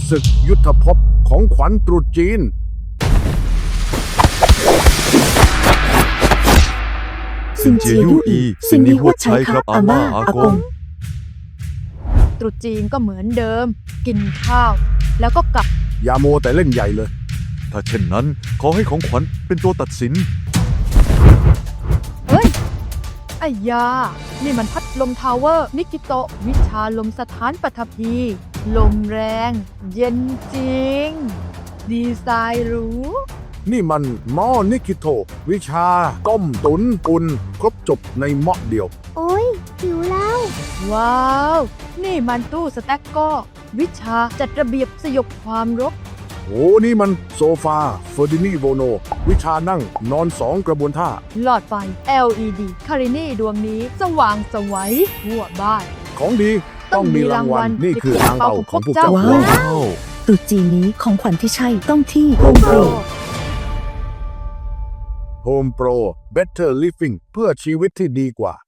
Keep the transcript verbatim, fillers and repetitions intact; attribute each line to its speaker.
Speaker 1: ศึกยุทธภพของขวัญตรุษจีน
Speaker 2: ซินเจียยู่อีสิ่งนี้หัวใช้ครับอาม่าอากง
Speaker 3: ตรุษจีนก็เหมือนเดิม กินข้าว แล้วก็กลับ
Speaker 1: อย่าโมวแต่เล่นใหญ่เลย
Speaker 2: ถ้าเช่นนั้นขอให้ของขวัญเป็นตัวตัดสิน
Speaker 3: เฮ้ยไอ้ยา นี่มันพัดลมทาวเวอร์ นิกิโตะวิชาลมสถานปฐพี ลมแรง เย็นจริง ดีไซน์หรู
Speaker 1: นี่มันหม้อนิกิโตะวิชาต้มตุนอุ่นครบจบในหม้อเดียว
Speaker 4: โอ้ยหิวแล้ว
Speaker 3: ว้าว นี่มันตู้สแต็กก็วิชาจัดระเบียบสยบความรบ
Speaker 1: โอ้นี่มันโซฟาเฟอร์ดินีโวโน วิชานั่งนอนสองกระบวนท่า
Speaker 3: หลอดไฟ แอล อี ดี คารินี่ดวงนี้สว่างสวัยทั่วบ้าน
Speaker 1: ของดีต้องมีรางวัล นี่คือทางเป่าของพวกเจ้า
Speaker 2: ว้าว
Speaker 5: ตรุษจีนนี้ของขวัญที่ใช่ต้องที่โฮมโปร
Speaker 1: Home Pro Better Living เพื่อชีวิตที่ดีกว่า